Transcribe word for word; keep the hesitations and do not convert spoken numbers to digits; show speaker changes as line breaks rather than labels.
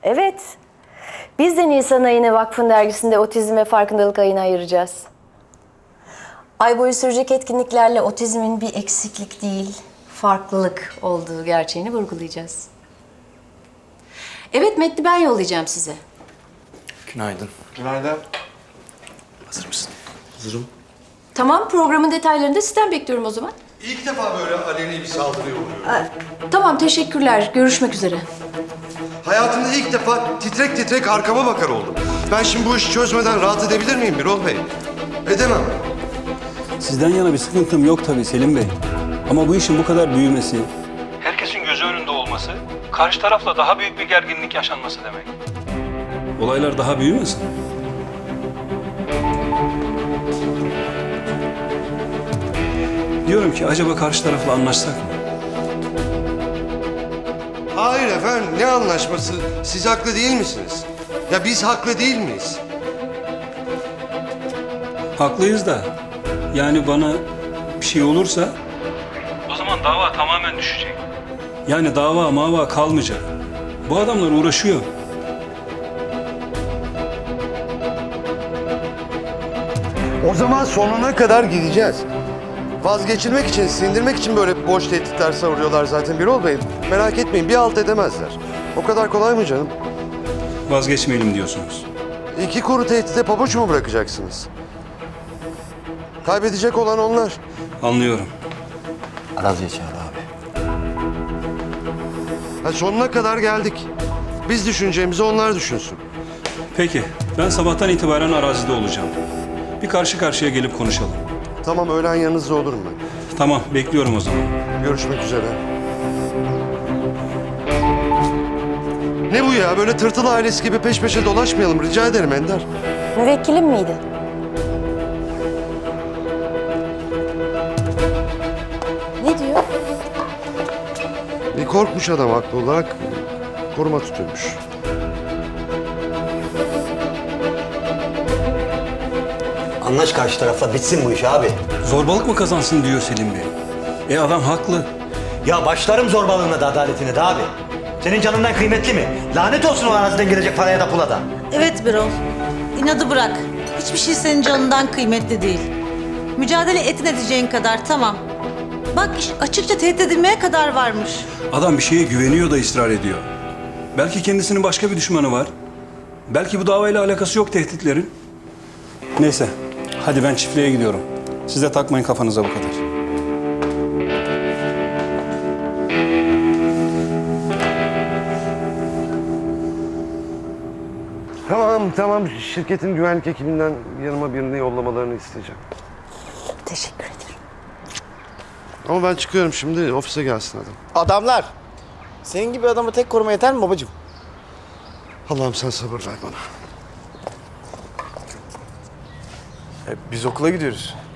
Evet. Biz de Nisan ayını Vakfın dergisinde otizm ve farkındalık ayına ayıracağız. Ay boyu sürecek etkinliklerle otizmin bir eksiklik değil, farklılık olduğu gerçeğini vurgulayacağız. Evet, metni ben yollayacağım size.
Günaydın.
Günaydın.
Hazır mısın? Hazırım.
Tamam, programın detaylarını da sizden bekliyorum o zaman.
İlk defa böyle aleni bir saldırıya uğruyorum.
Tamam, teşekkürler. Görüşmek üzere.
Hayatımda ilk defa titrek titrek arkama bakar oldum. Ben şimdi bu işi çözmeden rahat edebilir miyim Birol Bey? Edemem.
Sizden yana bir sıkıntım yok tabii Selim Bey. Ama bu işin bu kadar büyümesi...
Herkesin gözü önünde olması, karşı tarafla daha büyük bir gerginlik yaşanması demek.
Olaylar daha büyümesin. Diyorum ki acaba karşı tarafla anlaşsak mı?
Hayır efendim, ne anlaşması? Siz haklı değil misiniz? Ya biz haklı değil miyiz?
Haklıyız da yani bana bir şey olursa
O zaman dava tamamen düşecek.
yani dava mava kalmayacak. Bu adamlar uğraşıyor.
O zaman sonuna kadar gideceğiz. Vazgeçilmek için, sindirmek için böyle boş tehditler savuruyorlar zaten Birol Bey. Merak etmeyin, bir alt edemezler. O kadar kolay mı canım?
Vazgeçmeyelim diyorsunuz.
İki kuru tehdide pabuç mu bırakacaksınız? Kaybedecek olan onlar.
Anlıyorum.
Araziye çağır abi.
Ha, sonuna kadar geldik. Biz düşüneceğimizi onlar düşünsün.
Peki ben sabahtan itibaren arazide olacağım. Bir karşı karşıya gelip konuşalım.
Tamam, öğlen yanınızda olurum ben.
Tamam bekliyorum o zaman.
Görüşmek üzere. Ne bu ya? Böyle tırtıl ailesi gibi peş peşe dolaşmayalım. Rica ederim Ender.
Müvekkilim miydi? Ne diyor?
Bir korkmuş adam haklı olarak koruma tutuyormuş.
Anlaş karşı tarafla bitsin bu iş abi.
Zorbalık mı kazansın diyor Selim Bey. E adam haklı.
Ya başlarım zorbalığına da adaletine de abi. Senin canından kıymetli mi? Lanet olsun o araziden gelecek paraya da pula da.
Evet Birol. İnadı bırak. Hiçbir şey senin canından kıymetli değil. Mücadele etin edeceğin kadar tamam. Bak iş açıkça tehdit edilmeye kadar varmış.
Adam bir şeye güveniyor da ısrar ediyor. Belki kendisinin başka bir düşmanı var. Belki bu davayla alakası yok tehditlerin. Neyse, hadi ben çiftliğe gidiyorum. Siz de takmayın kafanıza bu kadar.
Tamam, tamam. Şirketin güvenlik ekibinden yanıma birini yollamalarını isteyeceğim.
Teşekkür ederim.
Ama ben çıkıyorum şimdi. Ofise gelsin adam.
Adamlar. Senin gibi adamı tek koruma yeter mi babacığım?
Allah'ım sen sabır ver bana.
E, biz okula gidiyoruz.